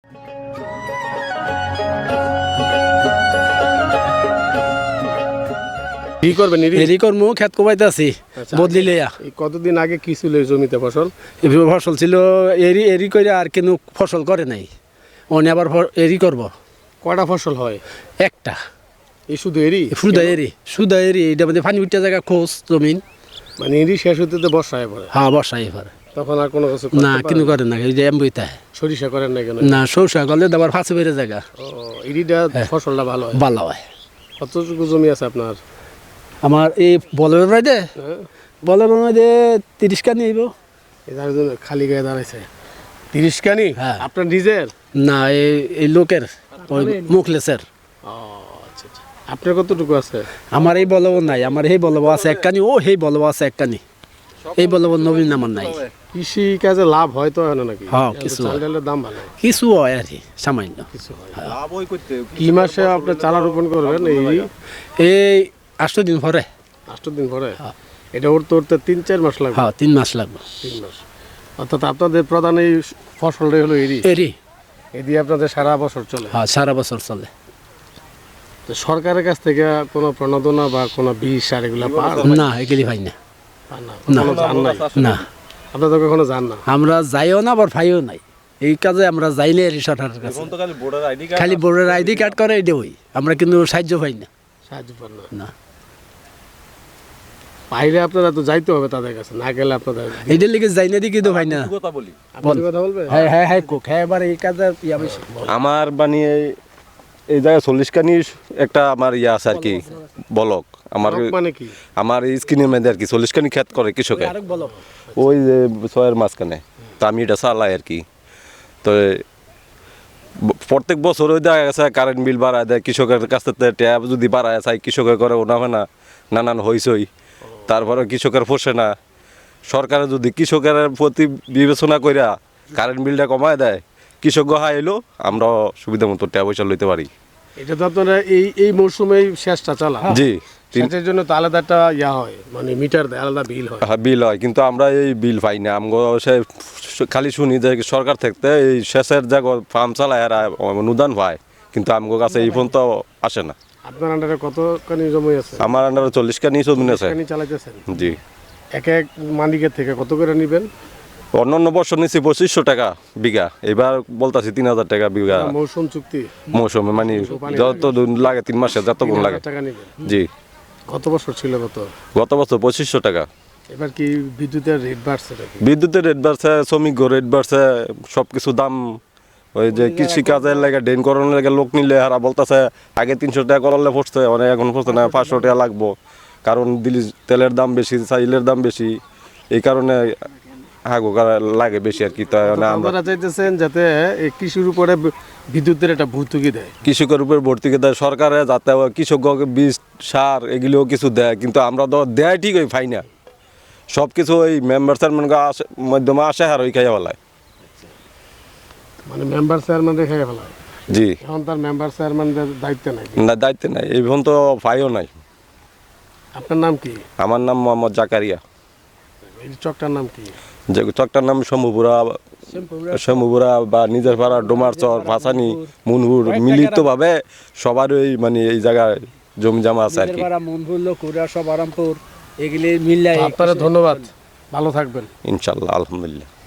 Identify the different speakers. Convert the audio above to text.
Speaker 1: কি করবেন?
Speaker 2: এরি কর্ম খেত কোবাইতে আছি বদলি লইয়া।
Speaker 1: কতদিন আগে কি ছিল এই জমিতে ফসল?
Speaker 2: ফসল ছিল এরি এরি করে, আর কিন্তু ফসল করে নাই। অনে আবার এরি করব।
Speaker 1: কয়টা ফসল হয়?
Speaker 2: একটা।
Speaker 1: এই শুধু এরি?
Speaker 2: শুধু এরি এটা মধ্যে পানি উঠতে জায়গা খোঁজ জমিন,
Speaker 1: মানে এরি শেষ হতে তো বর্ষায় পড়ে।
Speaker 2: হ্যাঁ বর্ষায় পরে
Speaker 1: তখন আর কোনো কিছু
Speaker 2: না, কিন্তু করে না। এই যে এমবইতে
Speaker 1: সরিষা করেন না কেন?
Speaker 2: না, সরষা করলে আবার ফাঁসে বেড়ে জায়গা।
Speaker 1: ও, এরিটা ফসলটা ভালো হয়?
Speaker 2: ভালো হয়।
Speaker 1: কতটুকু জমি আছে আপনার?
Speaker 2: আমার এই বলের রাইডে বলের মধ্যে 30 কানি আইব।
Speaker 1: এটার জন্য খালি গায়ে দাঁড়াইছে 30 কানি?
Speaker 2: হ্যাঁ।
Speaker 1: আপনার নিজের?
Speaker 2: না, এই লোকের ওই মুখলেসের।
Speaker 1: ও আচ্ছা আচ্ছা। আপনার কতটুকু আছে?
Speaker 2: আমার এই বলব নাই, আমার এই বলব আছে এক কানি, ও সেই বলব আছে এক কানি। এই বলব নবীন আমার নাই।
Speaker 1: কৃষি কাজে লাভ হয় তো না নাকি?
Speaker 2: হ্যাঁ, কিছু হয়।
Speaker 1: চালের দাম ভালো?
Speaker 2: কিছু হয় আর কি, সামান্য
Speaker 1: কিছু হয়। লাভ হয় করতে। কি মাসে আপনি চারা রোপণ করবেন?
Speaker 2: এই 8 দিন পরে।
Speaker 1: 8 দিন পরে? এটা উঠতে 3-4 মাস লাগবে?
Speaker 2: হ্যাঁ, 3 মাস লাগবে।
Speaker 1: 3 মাস। অর্থাৎ আপনাদের প্রধান এই ফসলটাই হলো এরি?
Speaker 2: এরি।
Speaker 1: এদি আপনাদের সারা বছর চলে?
Speaker 2: হ্যাঁ, সারা বছর চলে।
Speaker 1: তো সরকারের কাছ থেকে কোনো প্রণোদনা বা কোনো বিষ সার এগুলো পান?
Speaker 2: না, এগুলি হয় না।
Speaker 1: না, জান নাই?
Speaker 2: না,
Speaker 1: আপনারা তো কখনো যান না?
Speaker 2: আমরা যাইও না, আবার ভাইও নাই। এই কাজে আমরা যাইলে সরকারের কাছে খালি বোর্ডের আইডি কার্ড করে এটা হই, আমরা কিন্তু সাহায্য পাই না।
Speaker 1: সাহায্য পান না?
Speaker 2: না,
Speaker 1: বাইরে আপনারা তো যাইতে হবে তাদের কাছে, না গেলে আপনাদের
Speaker 2: এইটার লিগে যাই না দিকে তো ভাই না।
Speaker 1: আপনি কথা বলবেন?
Speaker 2: হ্যাঁ হ্যাঁ হ্যাঁ, কোক হ্যাঁ, এবার এই কাজে বেশি।
Speaker 3: আমার মানে এই জায়গায় 40 কানি একটা আমার ইয়ে আছে আর কি, বলক আমার।
Speaker 1: মানে কি?
Speaker 3: আমার এই স্কিনের মধ্যে আর কি 40 কানি ক্ষেত করে কৃষকে,
Speaker 2: আরেক বলো।
Speaker 3: ওই যে ছয়ের মাঝখানে। তো আমি এটা চালাই আর কি। তো প্রত্যেক বছর ওই দেখা গেছে কারেন্ট বিল বাড়ায় দেয়, কৃষকের কাছ থেকে ট্যাব যদি বাড়ায় চাই কৃষকের করে ওনা হয় না, নানান হইসই। তারপরে কৃষকের পোষে না। সরকারে যদি কৃষকের প্রতি বিবেচনা কইরা কারেন্ট বিলটা কমায় দেয়, কৃষক গহা এলো, আমরা সুবিধা মতো ট্যাব পয়সা লইতে পারি।
Speaker 1: এটা তো আপনারা এই মৌসুমেই শেষটা চালা?
Speaker 3: জি।
Speaker 1: সেটার জন্য তো আলাদা একটা ইয়া হয়, মানে মিটার দেয়, আলাদা বিল হয়?
Speaker 3: হ্যাঁ, বিল হয়, কিন্তু আমরা এই বিল পাই না। আমরা খালি শুনি যে সরকার থেকে এই শেষের জায়গা ফার্ম চালায় আর অনুদান পায়, কিন্তু আমার কাছে এই ফোন তো আসে না।
Speaker 1: আপনার আন্ডারে কত কানি জমি আছে?
Speaker 3: আমার আন্ডারে 40 কানি জমি আছে।
Speaker 1: কানি চালাইতেছেন?
Speaker 3: জি।
Speaker 1: এক মালিকের থেকে কত করে নেবেন?
Speaker 3: অন্যান্য বছর নিচ্ছি 2500 টাকা বিঘা, এবার বলতাছি 3000 টাকা বিঘা।
Speaker 1: মৌসুম চুক্তি?
Speaker 3: মৌসুমে মানে যত লাগে 3 মাসে যত কোন লাগে।
Speaker 1: টাকা নেবেন?
Speaker 3: জি।
Speaker 1: কত বছর ছিল
Speaker 3: গত বছর 2500 টাকা।
Speaker 1: এবার কি বিদ্যুতের রেট বাড়ছে নাকি?
Speaker 3: বিদ্যুতের রেট বাড়ছে, শ্রমিক রেট বাড়ছে, সব কিছু দাম। ওই যে কৃষি কাজের লাগে ড্রেন করানোর লাগে লোক নিলে হারা বলতেছে আগে 300 টাকা করলে পড়ছে, অনেক এখন পড়ছে না 500 টাকা লাগবো। কারণ দিল্লি তেলের দাম বেশি, চাইলের দাম বেশি, এই কারণে হাগো লাগে বেশি আর কি। তাই
Speaker 1: আমরা চাইতেছেন যাতে এই কৃষির উপরে বিদ্যুতের একটা ভর্তুকি দেয়,
Speaker 3: কৃষকের উপর ভর্তুকি দেয় সরকারে, যাতে কৃষককে বীজ সার এগুলোও কিছু দেয়, কিন্তু আমরা তো দেয় ঠিক ওই পাই না। সব কিছু ওই মেম্বার চেয়ারম্যান মাধ্যমে আসে আর ওই খাইয়া ফেলায়।
Speaker 1: মানে মেম্বার চেয়ারম্যান খাইয়া ফেলায়?
Speaker 3: জি।
Speaker 1: এখন তার মেম্বার চেয়ারম্যানদের দায়িত্ব নাই?
Speaker 3: না, দায়িত্ব নাই, এই ফোন তো পাইও নাই।
Speaker 1: আপনার নাম কি?
Speaker 3: আমার নাম মোহাম্মদ জাকারিয়া।
Speaker 1: এই চকটার নাম কি?
Speaker 3: যে চকটার নাম শম্ভুপুরা বা নিজের পাড়া ডোমারচর, ভাসানি, মুনহুর মিলিতভাবে সবার ওই মানে এই জায়গায় জমি জমা আছে আর কি।
Speaker 2: মুনহুর, লকুরা, সব আরামপুর এগুলি মিল্লাই।
Speaker 1: আপনারা ধন্যবাদ, ভালো থাকবেন।
Speaker 3: ইনশাল্লাহ, আলহামদুলিল্লাহ।